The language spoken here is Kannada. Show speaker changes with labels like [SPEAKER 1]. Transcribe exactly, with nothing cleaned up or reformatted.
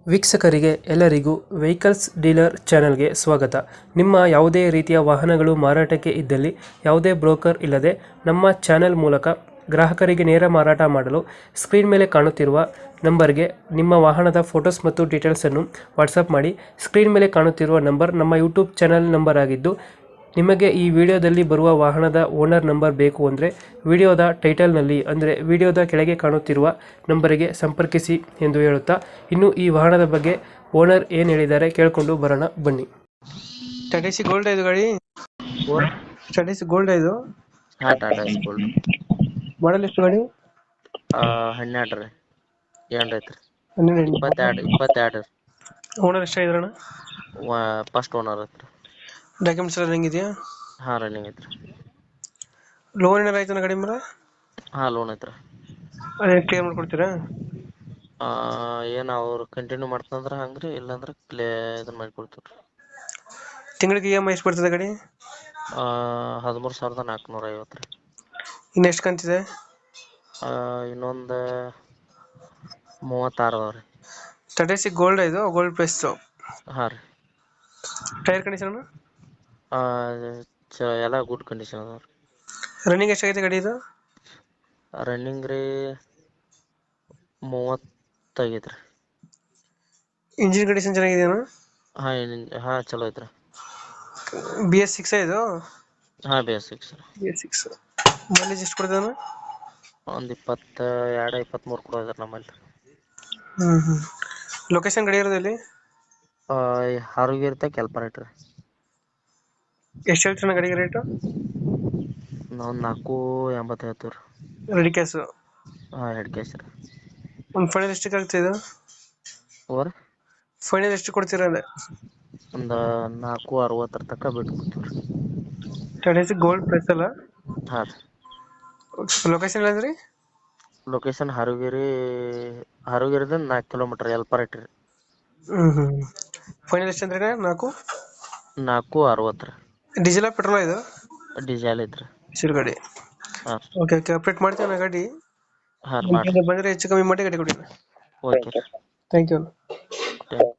[SPEAKER 1] ವೀಕ್ಷಕರಿಗೆ ಎಲ್ಲರಿಗೂ ವೆಹಿಕಲ್ಸ್ ಡೀಲರ್ ಚಾನೆಲ್ಗೆ ಸ್ವಾಗತ. ನಿಮ್ಮ ಯಾವುದೇ ರೀತಿಯ ವಾಹನಗಳು ಮಾರಾಟಕ್ಕೆ ಇದ್ದಲ್ಲಿ ಯಾವುದೇ ಬ್ರೋಕರ್ ಇಲ್ಲದೆ ನಮ್ಮ ಚಾನೆಲ್ ಮೂಲಕ ಗ್ರಾಹಕರಿಗೆ ನೇರ ಮಾರಾಟ ಮಾಡಲು ಸ್ಕ್ರೀನ್ ಮೇಲೆ ಕಾಣುತ್ತಿರುವ ನಂಬರ್ಗೆ ನಿಮ್ಮ ವಾಹನದ ಫೋಟೋಸ್ ಮತ್ತು ಡೀಟೇಲ್ಸನ್ನು ವಾಟ್ಸಪ್ ಮಾಡಿ. ಸ್ಕ್ರೀನ್ ಮೇಲೆ ಕಾಣುತ್ತಿರುವ ನಂಬರ್ ನಮ್ಮ ಯೂಟ್ಯೂಬ್ ಚಾನೆಲ್ ನಂಬರ್ ಆಗಿದ್ದು, ನಿಮಗೆ ಈ ವಿಡಿಯೋದಲ್ಲಿ ಬರುವ ವಾಹನದ ಓನರ್ ನಂಬರ್ ಬೇಕು ಅಂದರೆ ವಿಡಿಯೋದ ಟೈಟಲ್ನಲ್ಲಿ ಅಂದರೆ ವಿಡಿಯೋದ ಕೆಳಗೆ ಕಾಣುತ್ತಿರುವ ನಂಬರಿಗೆ ಸಂಪರ್ಕಿಸಿ ಎಂದು ಹೇಳುತ್ತಾ, ಇನ್ನು ಈ ವಾಹನದ ಬಗ್ಗೆ ಓನರ್ ಏನು ಹೇಳಿದ್ದಾರೆ ಕೇಳಿಕೊಂಡು ಬರೋಣ ಬನ್ನಿ. ಟಾಟಾ ಸಿ ಗೋಲ್ಡ್ ಇದು ಗಾಡಿ, ಟಾಟಾ ಸಿ ಗೋಲ್ಡ್ ಇದು
[SPEAKER 2] ಹಾ ಟಾಟಾ ಸ್ಕೂಲ್
[SPEAKER 1] ಮಾಡಲ್ ಎಷ್ಟು ಗಾಡಿ?
[SPEAKER 2] ಹನ್ನೆರಡು ರೀ ಏನ್ ಐತ್ರಿ
[SPEAKER 1] ಹನ್ನೆರಡು.
[SPEAKER 2] ಇಪ್ಪತ್ತೆರಡು ಇಪ್ಪತ್ತೆರಡು
[SPEAKER 1] ಓನರ್ ಎಷ್ಟಾಗಿದ್ರಣ?
[SPEAKER 2] ಫಸ್ಟ್ ಓನರ್ ಐತ್ರಿ.
[SPEAKER 1] ಡಾಕ್ಯುಮೆಂಟ್ಸ್ ಎಲ್ಲ ಹೆಂಗಿದೆಯಾ?
[SPEAKER 2] ಹಾ ರನ್ನಿಂಗ್ ಐತ್ರಿ.
[SPEAKER 1] ಲೋನ್ ಏನಾರ ಆಯ್ತಾನ ಗಾಡಿ ಮೇಲೆ?
[SPEAKER 2] ಹಾ ಲೋನ್ ಐತ್ರಿ.
[SPEAKER 1] ಅದೇ ಕ್ಲಿಯರ್ ಮಾಡ್ಕೊಡ್ತೀರಾ?
[SPEAKER 2] ಆ ಏನ್ ಅವ್ರು ಕಂಟಿನ್ಯೂ ಮಾಡ್ತಂದ್ರ ಹಂಗ್ರಿ, ಇಲ್ಲಾಂದ್ರ ಕ್ಲೇ ಇದನ್ನ ಮಾಡಿ ಕೊಡ್ತೀವ್ರಿ.
[SPEAKER 1] ತಿಂಗಳಿಗೆ ಇ ಎಮ್ ಐ ಎಷ್ಟು ಬರ್ತದೆ ಗಾಡಿ?
[SPEAKER 2] ಆ ಹದಿಮೂರು ಸಾವಿರದ ನಾಲ್ಕುನೂರ ಐವತ್ತು ರೀ.
[SPEAKER 1] ಇನ್ನು ಎಷ್ಟು ಕಂತಿದೆ?
[SPEAKER 2] ಆ ಇನ್ನೊಂದ್ ಮೂವತ್ತಾರು ಅದಾವ ರೀ.
[SPEAKER 1] ಟಾಟಾ ಸಿ ಗೋಲ್ಡ್ ಇದು ಗೋಲ್ಡ್ ಪ್ಲಸ್.
[SPEAKER 2] ಹಾ ರೀ.
[SPEAKER 1] ಟೈರ್ ಕಂಡೀಷನ್
[SPEAKER 2] ಆ ಚ ಎಲ್ಲ ಗುಡ್ ಕಂಡೀಷನ್ ಅದಾವ ರೀ.
[SPEAKER 1] ರನ್ನಿಂಗ್ ಎಷ್ಟಾಗಿದೆ ಗಾಡಿ ಇದು?
[SPEAKER 2] ರನ್ನಿಂಗ್ ರೀ ಮೂವತ್ತು ಆಗೈತ್ರಿ.
[SPEAKER 1] ಇಂಜಿನ್ ಕಂಡೀಷನ್ ಚೆನ್ನಾಗಿದೆಯಾ?
[SPEAKER 2] ಹಾ ಏನ್- ಹಾ ಚಲೋ ಐತ್ರಿ.
[SPEAKER 1] ಬಿ ಎಸ್ ಸಿಕ್ಸ್ ಇದು?
[SPEAKER 2] ಹಾ basics
[SPEAKER 1] B S six. Mileage ಎಷ್ಟು ಕೊಡ್ತಾನೆ?
[SPEAKER 2] ಒಂದ್ ಇಪ್ಪತ್ತ ಎರಡು ಇಪ್ಪತ್ಮೂರು ಕೊಡೋದ್ರಿ ನಮ್ಮಲ್ಲಿ.
[SPEAKER 1] ಹ್ಮ್ ಹ್ಮ್ ಲೊಕೇಶನ್ ಗಾಡಿ ಇರೋದು ಇಲ್ಲಿ?
[SPEAKER 2] ಆ ಹಾರುಗಿರ್ತ ಕೆಲ್ಪರೇಟ್ ರೀ.
[SPEAKER 1] ಎಷ್ಟು ಹೇಳ್ತಾನೆ ಗಾಡಿಗೆ ರೇಟು?
[SPEAKER 2] ನಾವು ನಾಲ್ಕು ಎಂಬತ್ತು ಹೇಳ್ತೀವಿ ರೀ.
[SPEAKER 1] Ready cash?
[SPEAKER 2] ಹಾ ಎರಡು ಕ್ಯಾಶ್ ರೀ.
[SPEAKER 1] ಒಂದು ಫೈನಲ್ ಎಷ್ಟಕ್ಕೆ ಆಗ್ತದೆ ಇದು?
[SPEAKER 2] ಓವರ್
[SPEAKER 1] ಫೈನಲ್ ಎಷ್ಟು ಕೊಡ್ತೀರಾ ಅದೇ?
[SPEAKER 2] ಒಂದು ನಾಲ್ಕು ಅರವತ್ತರ ತನಕ ಬಿಟ್ಟು ಕೊಡ್ತೀವಿ ರೀ.
[SPEAKER 1] ಟಾಟಾ ಸಿ ಗೋಲ್ಡ್ ಪ್ಲಸ್ ಅಲ್ಲ?
[SPEAKER 2] ಹಾ ರೀ.
[SPEAKER 1] ಲೊಕೇಶನ್ ಹೇಳಿದ್ರಿ?
[SPEAKER 2] ಲೊಕೇಶನ್ ಹಾರುಗಿರಿ ಹಾರುಗಿರಿದಿಂದ ನಾಲ್ಕು ಕಿಲೋಮೀಟರ್ ಎಲ್ಪರೇಟ್ ರೀ.
[SPEAKER 1] ಹ್ಮ್ ಹ್ಮ್ ಫೈನಲ್ ಎಷ್ಟು ಅಂದ್ರೆ ನಾಲ್ಕು
[SPEAKER 2] ನಾಲ್ಕು ಅರವತ್ತು ರೀ.
[SPEAKER 1] ಡೀಸೆಲ್ ಪೆಟ್ರೋಲ್ ಇದು?
[SPEAKER 2] ಡಿಸೇಲ್ ಐತ್ರಿ.
[SPEAKER 1] ಸಿರು ಗಾಡಿ.
[SPEAKER 2] ಹಾ
[SPEAKER 1] ಓಕೆ ಓಕೆ ಅಪ್ಡೇಟ್ ಮಾಡ್ತೀವಿ ನಾ ಗಾಡಿ.
[SPEAKER 2] ಹಾ ರೀ
[SPEAKER 1] ನಮ್ಮ
[SPEAKER 2] ಮಾಡ್ರಿ.
[SPEAKER 1] ಕಡೆ ಬಂದರೆ ಹೆಚ್ಚು ಕಮ್ಮಿ ಮಾಡಿ ಗಾಡಿ ಕೊಡಿ.
[SPEAKER 2] ಓಕೆ ರೀ.
[SPEAKER 1] Thank you.
[SPEAKER 2] ಥ್ಯಾಂಕ್